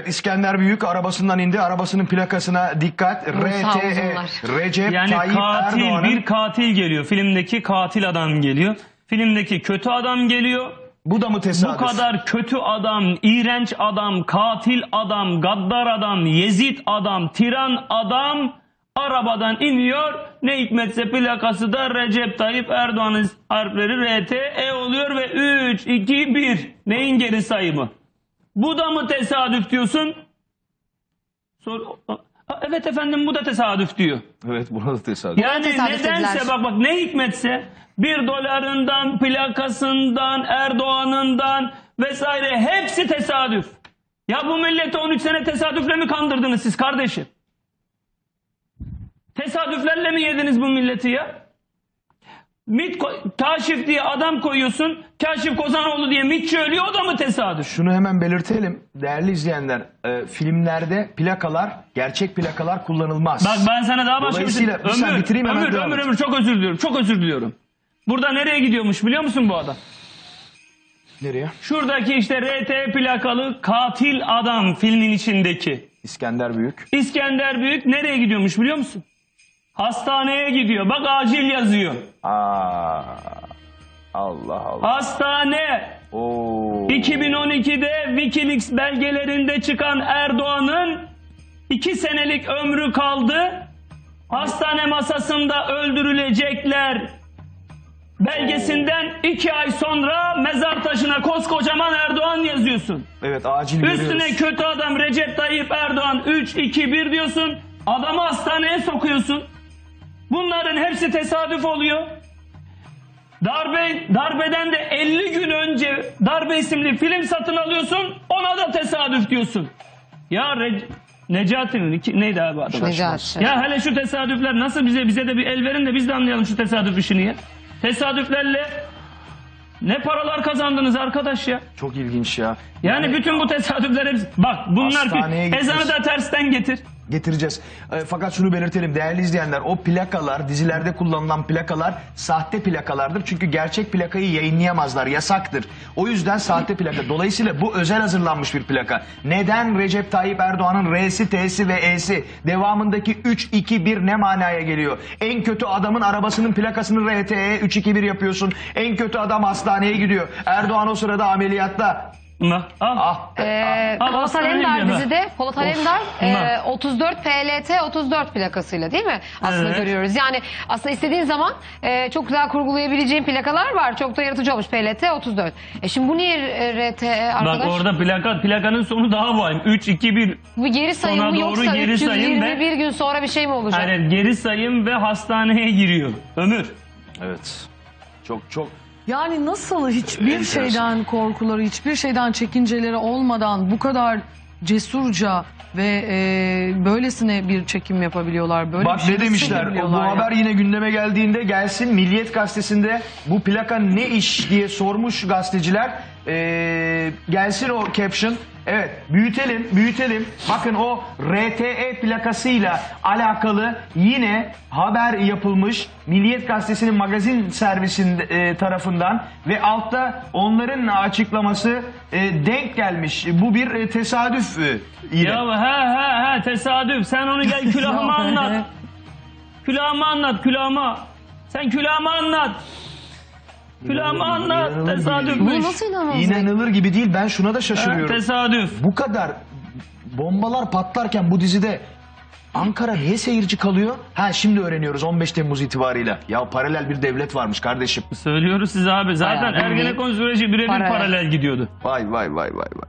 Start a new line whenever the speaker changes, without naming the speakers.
Evet, İskender Büyük arabasından indi. Arabasının plakasına dikkat. RTE Recep
Yani
Tayyip
katil,
Erdoğan'ın...
bir katil geliyor. Filmdeki katil adam geliyor. Filmdeki kötü adam geliyor.
Bu da mı tesadüf?
Bu kadar kötü adam, iğrenç adam, katil adam, gaddar adam, Yezid adam, tiran adam arabadan iniyor. Ne hikmetse plakası da Recep Tayyip Erdoğan'ın harfleri RTE oluyor ve 3, 2, 1. Neyin geri sayımı? Bu da mı tesadüf diyorsun? Evet efendim, bu da tesadüf diyor.
Evet, bu da tesadüf.
Yani
tesadüf
nedense
dediler.
bak ne hikmetse $1 plakasından, Erdoğan'ından vesaire hepsi tesadüf. Ya bu milleti 13 sene tesadüfle mi kandırdınız siz kardeşim? Tesadüflerle mi yediniz bu milleti ya? Kaşif diye adam koyuyorsun, Kaşif Kozanoğlu diye MİTçi ölüyor, o da mı tesadüf?
Şunu hemen belirtelim değerli izleyenler. Filmlerde plakalar, gerçek plakalar kullanılmaz.
Bak ben sana daha başka bir şey...
Dolayısıyla sen bitireyim, hemen devam et.
Ömür çok özür diliyorum, çok özür diliyorum. Burada nereye gidiyormuş biliyor musun bu adam?
Nereye?
Şuradaki işte RT plakalı katil adam filmin içindeki.
İskender Büyük.
İskender Büyük nereye gidiyormuş biliyor musun? Hastaneye gidiyor. Bak acil yazıyor.
Aa, Allah Allah.
Hastane.
Oo.
2012'de Wikileaks belgelerinde çıkan Erdoğan'ın 2 senelik ömrü kaldı. Hastane masasında öldürülecekler belgesinden 2 ay sonra mezar taşına koskocaman Erdoğan yazıyorsun.
Evet, acil
Üstüne
görüyoruz.
kötü adam Recep Tayyip Erdoğan 3, 2, 1 diyorsun. Adamı hastaneye sokuyorsun. Bunların hepsi tesadüf oluyor. Darbeden de 50 gün önce Darbe isimli film satın alıyorsun. Ona da tesadüf diyorsun. Ya Necati'nin neydi abi adı?
Necati.
Ya hele şu tesadüfler nasıl, bize de bir el verin de biz de anlayalım şu tesadüf işini ya. Tesadüflerle ne paralar kazandınız arkadaş ya.
Çok ilginç ya.
Yani bütün bu tesadüfler hepsi... Bak bunlar...
Hastaneye
Ezanı
gitmiş.
da tersten getir.
Getireceğiz. Fakat şunu belirtelim değerli izleyenler. O plakalar, dizilerde kullanılan plakalar sahte plakalardır. Çünkü gerçek plakayı yayınlayamazlar. Yasaktır. O yüzden sahte plaka. Dolayısıyla bu özel hazırlanmış bir plaka. Neden Recep Tayyip Erdoğan'ın R'si, T'si ve E'si devamındaki 3, 2, 1 ne manaya geliyor? En kötü adamın arabasının plakasını RTE 3, 2, 1 yapıyorsun. En kötü adam hastaneye gidiyor. Erdoğan o sırada ameliyatta.
Polat Alemdar dizide Polat Alemdar 34 PLT 34 plakasıyla değil mi? Aslında
Evet.
görüyoruz. Yani aslında istediğin zaman çok güzel kurgulayabileceğin plakalar var. Çok da yaratıcı olmuş PLT 34. Şimdi bu niye RTE arkadaş?
Bak orada plakanın sonu daha vahim. 3, 2, 1.
Bu geri sayım
Sona
mı
doğru
yoksa
geri sayım ve-
321 gün sonra bir şey mi olacak?
Hayır, geri sayım ve hastaneye giriyor. Ömür.
Evet. Çok
Yani nasıl hiçbir
enteresan.
şeyden korkuları, hiçbir şeyden çekinceleri olmadan bu kadar cesurca ve böylesine bir çekim yapabiliyorlar. Böyle
Bak
bir şey
ne
nasıl
demişler, bu
yapabiliyorlar ya?
haber yine gündeme geldiğinde gelsin Milliyet Gazetesi'nde bu plaka ne iş diye sormuş gazeteciler. Gelsin o caption. Evet, büyütelim. Bakın o RTE plakasıyla alakalı yine haber yapılmış Milliyet Gazetesi'nin magazin servisinin tarafından ve altta onların açıklaması denk gelmiş. Bu bir tesadüf yine.
Ya tesadüf. Sen onu gel külahıma anlat. Külahıma anlat, külahıma. Sen külahıma anlat. Külahıma anlat.
İnanılır gibi
Tesadüfmüş.
Bu nasıl inanılmaz?
İnanılır gibi değil. Ben şuna da şaşırıyorum.
Tesadüf.
Bu kadar bombalar patlarken bu dizide Ankara niye seyirci kalıyor? Şimdi öğreniyoruz 15 Temmuz itibarıyla. Ya paralel bir devlet varmış kardeşim.
Söylüyoruz size abi. Zaten
Bayağı bildiğin
Ergenekon süreci birebir
paralel.
paralel gidiyordu.
Vay.